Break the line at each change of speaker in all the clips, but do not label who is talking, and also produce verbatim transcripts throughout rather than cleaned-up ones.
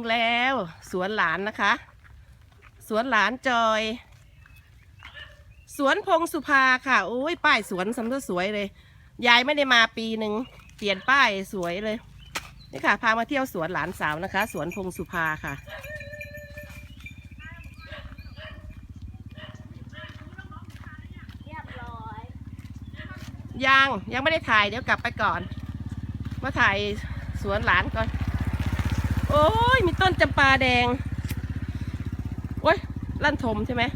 แล้วสวนหลานนะคะ สวนหลานจอย สวนพงสุภาค่ะโอ้ยป้ายสวนสำนักสวยเลยยายไม่ได้มาปีหนึ่งเปลี่ยนป้ายสวยเลยนี่ค่ะพามาเที่ยวสวนหลานสาวนะคะ สวนพงสุภาค่ะยังยังไม่ได้ถ่ายเดี๋ยวกลับไปก่อนมาถ่ายสวนหลานก่อนโอ้ยมีต้นจำปาแดงโอ้ยลั่นทมใช่ไหม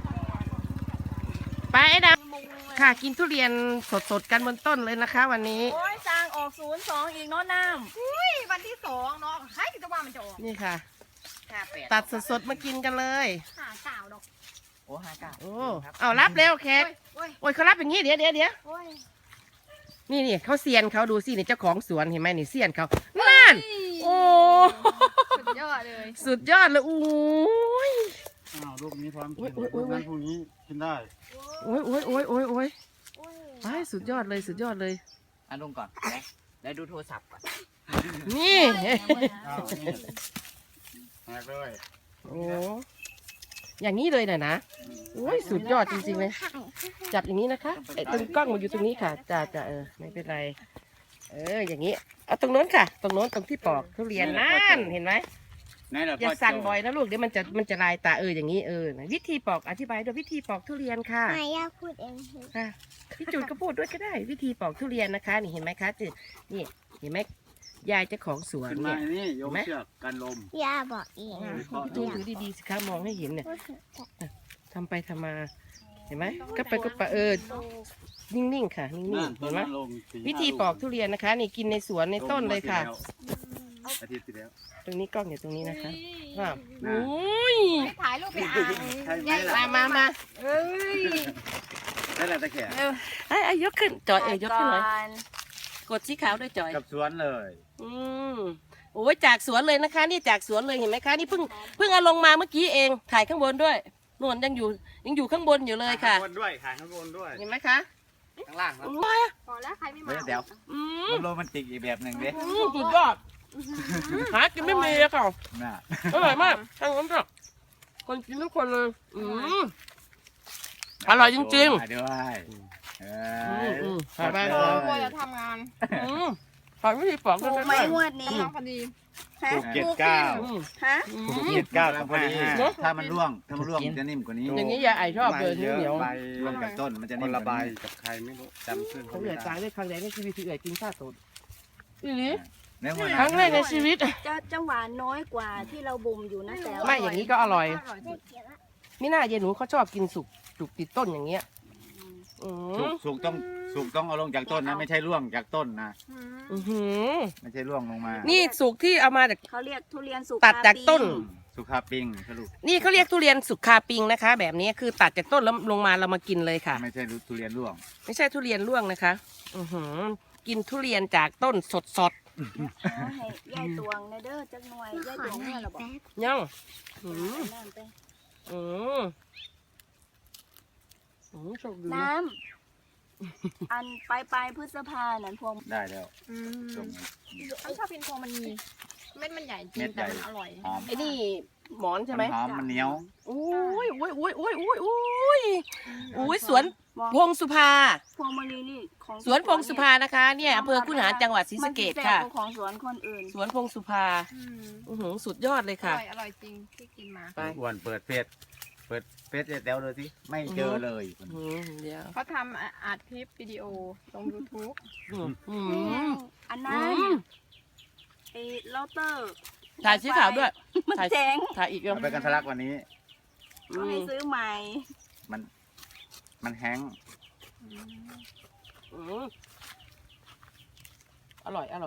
ไปไอ้ดำค่ะกินทุเรียนสดๆกันบนต้นเลยนะคะวันนี้
โอ้ยจางออกศูนย์สองอีกเนาะน้ำอุ้ยวันที่สองเนาะใครจะว่ามันจะออก
นี่ค่ะ
ห้าแปด
ตัดสดๆมากินกันเลย
ห้าเก้าดอก
โอ้ห้าเก้า
โอ้เอารับเร็วแขกโอ้ยเขารับอย่างนี้เดี๋ยวเดี๋ยวเดี๋ยวนี่นี่เขาเซียนเขาดูสินี่เจ้าของสวนเห็นไหมนี่เซียนเขานั่นโอ้
สุดยอดเลย
สุดยอดเลยโอ้ย
อ้าวลูกนี้พร้อมกินลูกนั้นพรุ่งนี้กินได้
โอ้ยโอ้ยโอ้ยโอ้ยโอ้ยไปสุดยอดเลยสุดยอดเลย
อ่ะลงก่อนได้ได้ดูโทรศัพท์ก่อน
นี่
อ้าวนี่หากเลย
โอ้อย่างนี้เลยน่ะนะโอ้ยสุดยอดจริงๆเลยจับอย่างนี้นะคะไอ้ตรงกล้องมันอยู่ตรงนี้ค่ะจ้าจ้าเออไม่เป็นไรเอออย่างนี้เอาตรงโน้นค่ะตรงโน้นตรงที่ปอกทุเรียนนั่นเห็นไหมอย่าสั่นบ่อยนะลูกเดี๋ยวมันจะมันจะลายตาเอออย่างนี้เออวิธีปอกอธิบายด้วยวิธีปอกทุเรียนค่ะ
ไม่ยากพูดเอง
ค่ะพี่จุนก็พูดด้วยก็ได้วิธีปอกทุเรียนนะคะนี่เห็นไหมคะจืดนี่เห็นไหมยายเจ้าของสวนเนี่ย
นี่โยมเชือกกันลม
ย่าบอกเอง
พี่จูนถือดีๆสิคะมองให้เห็นเนี่ยทำไปทำมาเห็นไหมก็ไปก็ไปเออนิ่งๆค่ะนิ่งๆเห็นไหมวิธีปอกทุเรียนนะคะนี่กินในสวนในต้นเลยค่ะ
อาทิตย์ที่แล้ว
ตรงนี้กล้องอยู่ตรงนี้นะคะว้าวโอ้ย
ถ่ายรูปไป
มา
อ่าน
มามา
เอ้ย
นั่นแหละตะแขก
ไอ้ไอ้ยกขึ้นจอยเอ๋ยยกขึ้นหน่อยกดสีขาวด้วยจอย
กับสวนเลย
อืมโอ้ยจากสวนเลยนะคะนี่จากสวนเลยเห็นไหมคะนี่เพิ่งเพิ่งเอาลงมาเมื่อกี้เองถ่ายข้างบนด้วยนวลยังอยู่ยังอยู่ข้างบนอยู่เลยค่ะ
ข้างบนด้วยถ่ายข้างบนด้วย
เห็นไหมคะ
ข้างล่างครับ
พอแล้วใครไม่มา
เดี๋ยวมันโรแมนติกอีกแบบหนึ่งดิ
สุดยอดหากินไม่มีเลยค่ะอร่อยมากทั้งนั้นค่ะคนกินทุกคนเลยอืมอร่อยจริง
ๆด้วย
ๆถ่ายไปก่อน
กลัวจะทำงาน
ถ่ายวิธีปอกกัน
ไม่งวดนี้
พอดีถูกเจ็ดเก้า
ฮะ
ถูกเจ็ดเก้าพอดีถ้ามันร่วงถ้ามันร่วงจะนิ่มกว่านี้
อย่างนี้ยาไอชอบเลยเหนียว
ร่วงกับต้นมันจะนิ่มระบายกับใครไม่รู้จำชื่อ
เขาเหลือตายได้ครั้งแรกในชีวิตที่เอ๋ยกินข้าวสดอีนี้
ค
รั้งแรกในชีวิต
จะจะหวานน้อยกว่าที่เราบ่มอยู่นะแต่
ไม่อย่างนี้ก็อร่อยมิน่าเย็นหนูเขาชอบกินสุกสุกติดต้นอย่างเงี้ย
สุกสุกต้องสุกต้องเอาลงจากต้นนะไม่ใช่ร่วงจากต้นนะไม่ใช่ร่วงลงมา
นี่สุกที่เอามาจาก
เขาเรียกทุเรียนสุก
ตัดจากต้น
สุขาปิงสรุป
นี่เขาเรียกทุเรียนสุกคาปิงนะคะแบบนี้คือตัดจากต้นแล้วลงมาเรามากินเลยค่ะ
ไม่ใช่ทุเรียนร่วง
ไม่ใช่ทุเรียนร่วงนะคะอือหือกินทุเรียนจากต้นสดสด
ให้ยายตวงในเด้อจักหน่วยยายตวงเมื่อเราบอก
ยังอืมอืม
น้ำอันปลายปลายพฤษภาเนี่ยพวง
ได้แล้ว
อันชอบกินพวงมันมีเม็ดมันใหญ่จริงแต่มันอร่อย
ไอ้นี่หมอนใช่ไหม
หอมมันเหนียว
โอ้ยโอ้ยโอ้ยโอ้ยโอ้ยโอ้ยโอ้ยสวนพงสุภา
พวงมณีนี่ของ
สวนพงสุภานะคะเนี่ยอำเภอคุนหารจังหวัดศรีสะเกษค่ะ
ของสวนคนอื่น
สวนพงสุภาอือหือสุดยอดเลยค่ะ
อร่อยจริงที่กินมา
ไปอ้วนเปิดเฟซเปิดเฟซแถวเลยสิไม่เจอเลย
เขาทำอัดคลิปวิดีโอลง ยูทูบ อันนั้นไอ้โรเตอร์
ถ่ายสีขาวด้วย
มันแจ้ง
ถ่ายอีก
เอาไปกันทะลักวันนี้
ก็ให้ซื้อใหม่
มันมันแห้ง
อร่อยอร่อย